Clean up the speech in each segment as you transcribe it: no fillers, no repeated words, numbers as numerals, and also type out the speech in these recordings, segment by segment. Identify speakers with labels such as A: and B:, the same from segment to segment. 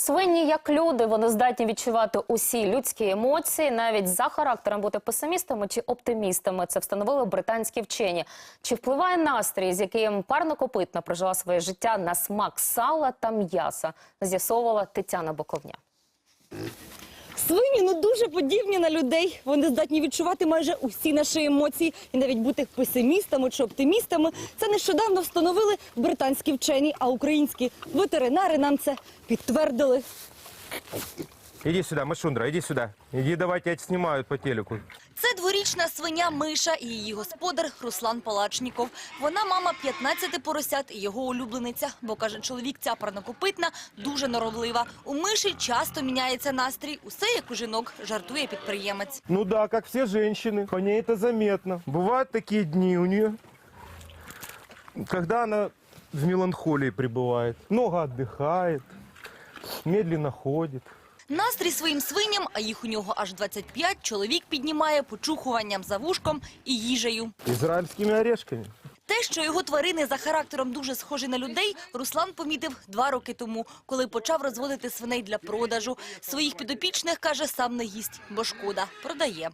A: Свині як люди, вони здатні відчувати усі людські емоції, навіть за характером бути песимістами чи оптимістами. Це встановили британські вчені. Чи впливає настрій, з яким парнокопитна прожила своє життя, на смак сала та м'яса, з'ясовувала Тетяна Боковня.
B: Свині дуже подібні на людей. Вони здатні відчувати майже усі наші емоції. І навіть бути песимістами чи оптимістами – це нещодавно встановили британські вчені, а українські ветеринари нам це підтвердили.
C: Иди сюда, Мышундра, иди сюда. Иди, давай, тебя снимают по телеку.
B: Це дворічна свиня Миша і її господар Руслан Палачніков. Вона мама 15 поросят і його улюблениця. Бо, каже чоловік, ця парнокопитна дуже норовлива. У Миші часто міняється настрій. Усе як у жінок, жартує підприємець.
C: Ну да, как все женщины, по ней это заметно. Бывают такие дни у нее, когда она в меланхолии пребывает. Много отдыхает, медленно ходит.
B: Настрій своїм свиням, а їх у нього аж 25, чоловік піднімає почухуванням за вушком і їжею.
C: Израильскими орешками.
B: Те, що його тварини за характером дуже схожі на людей, Руслан помітив 2 роки тому, коли почав розводити свиней для продажу. Своїх підопічних, каже, сам не їсть, бо шкода, продає.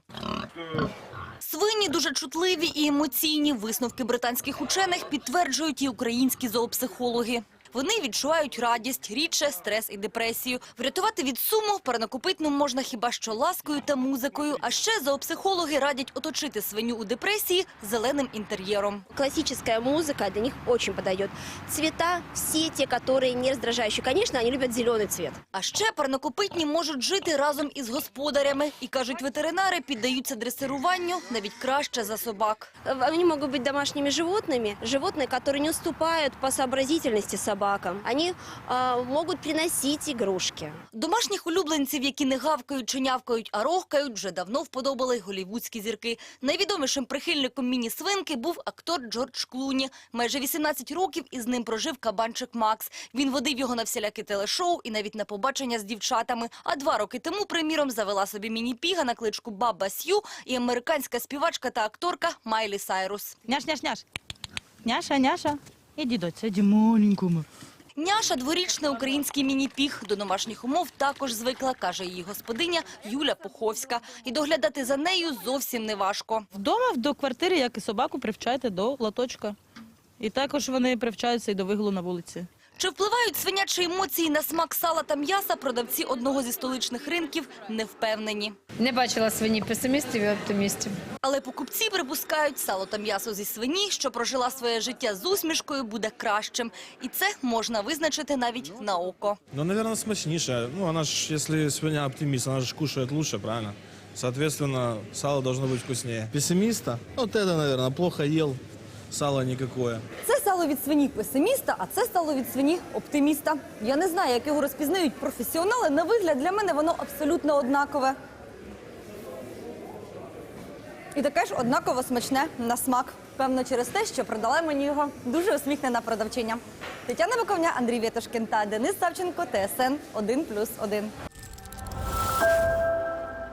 B: Свині дуже чутливі і емоційні. Висновки британських учених підтверджують і українські зоопсихологи. Вони відчувають радість, рідше стрес і депресію. Врятувати від суму парнокопитну можна хіба що ласкою та музикою. А ще зоопсихологи радять оточити свиню у депресії зеленим інтер'єром.
D: Классическая музыка для них очень подойдет. Цвета все те, которые не раздражающие. Конечно, они любят зеленый цвет.
B: А ще парнокопитні можуть жити разом із господарями. І, кажуть ветеринари, піддаються дресируванню навіть краще за собак.
D: Они могут быть домашними животными, животные, которые не уступают по сообразительности собакам. Они могут приносить игрушки.
B: Домашніх улюбленців, які не гавкають чи нявкають, а рохкають, вже давно вподобали голлівудські зірки. Найвідомішим прихильником міні-свинки був актор Джордж Клуні. Майже 18 років із ним прожив кабанчик Макс. Він водив його на всілякі телешоу і навіть на побачення з дівчатами. А 2 роки тому, приміром, завела собі міні-піга на кличку Баба Сью і американська співачка та акторка Майлі Сайрус.
E: Няш-няш-няш. Няша-няша. Іди, доця, іди маленькому.
B: Няша – дворічний український міні-піг. До домашніх умов також звикла, каже її господиня Юля Пуховська. І доглядати за нею зовсім не важко.
E: Вдома до квартири, як і собаку, привчайте до лоточка. І також вони привчаються і до вигулу на вулиці.
B: Чи впливають свинячі емоції на смак сала та м'яса, продавці одного зі столичних ринків не впевнені.
F: Не бачила свині песимістів і оптимістів.
B: Але покупці припускають, сало та м'ясо зі свині, що прожила своє життя з усмішкою, буде кращим. І це можна визначити навіть на око.
G: Ну, наверное, смачніше. Ну, она ж, если свинья оптимист, она же кушает лучше, правильно? Соответственно, сало должно быть вкуснее. Пессимиста? Вот это, наверное, плохо ел. Сало никакое.
B: Це сало від свині песиміста, а це сало від свині оптиміста. Я не знаю, як його розпізнають професіонали. На вигляд для мене воно абсолютно однакове. І таке ж однаково смачне на смак. Певно, через те, що продала мені його дуже усміхнена продавчиня. Тетяна Боковня, Андрій Вєтушкін та Денис Савченко, ТСН 1+1.